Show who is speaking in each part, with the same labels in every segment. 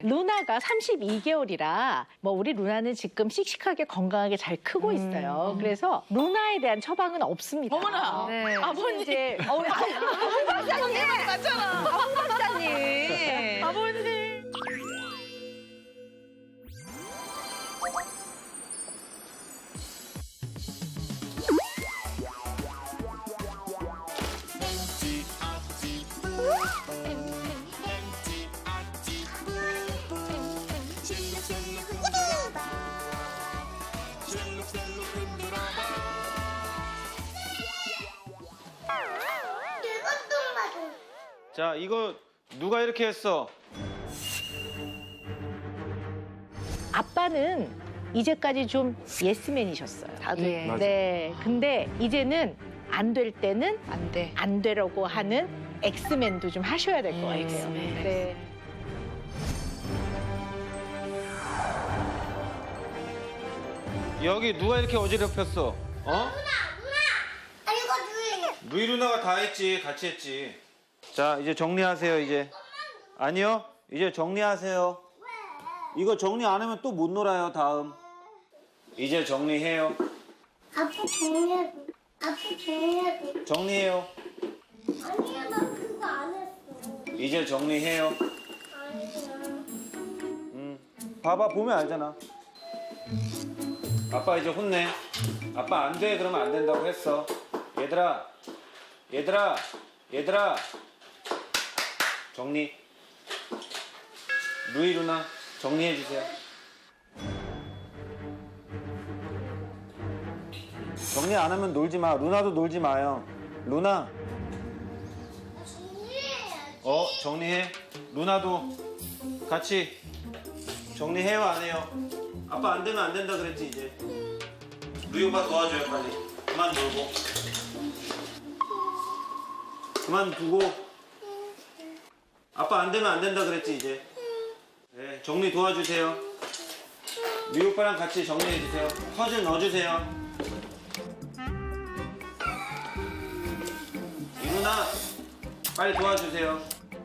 Speaker 1: 루나가 32개월이라 뭐 우리 루나는 지금 씩씩하게 건강하게 잘 크고 있어요. 그래서 루나에 대한 처방은 없습니다.
Speaker 2: 어머나.
Speaker 1: 네.
Speaker 2: 아버님.
Speaker 1: 이제
Speaker 2: 박사님 맞잖아.
Speaker 1: 박사님.
Speaker 2: 아버님.
Speaker 3: 자, 이거 누가 이렇게 했어?
Speaker 1: 아빠는 이제까지 좀 예스맨이셨어요.
Speaker 2: 다들.
Speaker 1: 예.
Speaker 3: 맞아.
Speaker 1: 네. 근데 이제는 안 될 때는
Speaker 2: 안 돼.
Speaker 1: 안 되라고 하는 엑스맨도 좀 하셔야 될 것 같아요.
Speaker 2: 엑스맨.
Speaker 1: 네.
Speaker 3: 여기 누가 이렇게 어지럽혔어? 어? 루이 누나가 다 했지. 같이 했지. 자, 이제 정리하세요, 이제. 아니요. 이제 정리하세요. 이거 정리 안 하면 또 못 놀아요, 다음. 이제 정리해요.
Speaker 4: 아빠 정리해야 돼. 아빠 정리해야 돼.
Speaker 3: 정리해요.
Speaker 4: 아니야, 나 그거 안 했어.
Speaker 3: 이제 정리해요.
Speaker 4: 아니야.
Speaker 3: 봐봐, 보면 알잖아. 아빠 이제 혼내. 아빠 안 돼, 그러면 안 된다고 했어. 얘들아. 얘들아. 얘들아. 정리. 루이 누나, 정리해주세요. 정리 안 하면 놀지 마. 루나도 놀지 마요. 루나.
Speaker 4: 정리해야지.
Speaker 3: 정리해. 루나도 같이 정리해요, 안 해요? 아빠 안 되면 안 된다 그랬지, 이제. 루이 오빠 도와줘요, 빨리. 그만 놀고. 그만 두고. 아빠 안 되면 안 된다 그랬지, 이제. 네, 정리 도와주세요. 루이 오빠랑 같이 정리해주세요. 퍼즐 넣어주세요. 이 누나, 빨리 도와주세요.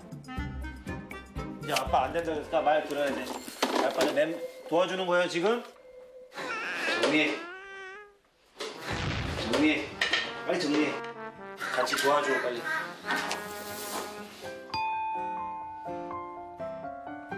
Speaker 3: 이제 아빠 안 된다 그러니까 말 들어야 돼. 아빠는 도와주는 거예요, 지금? 정리해. 정리해. 빨리 정리해. 같이 도와줘, 빨리.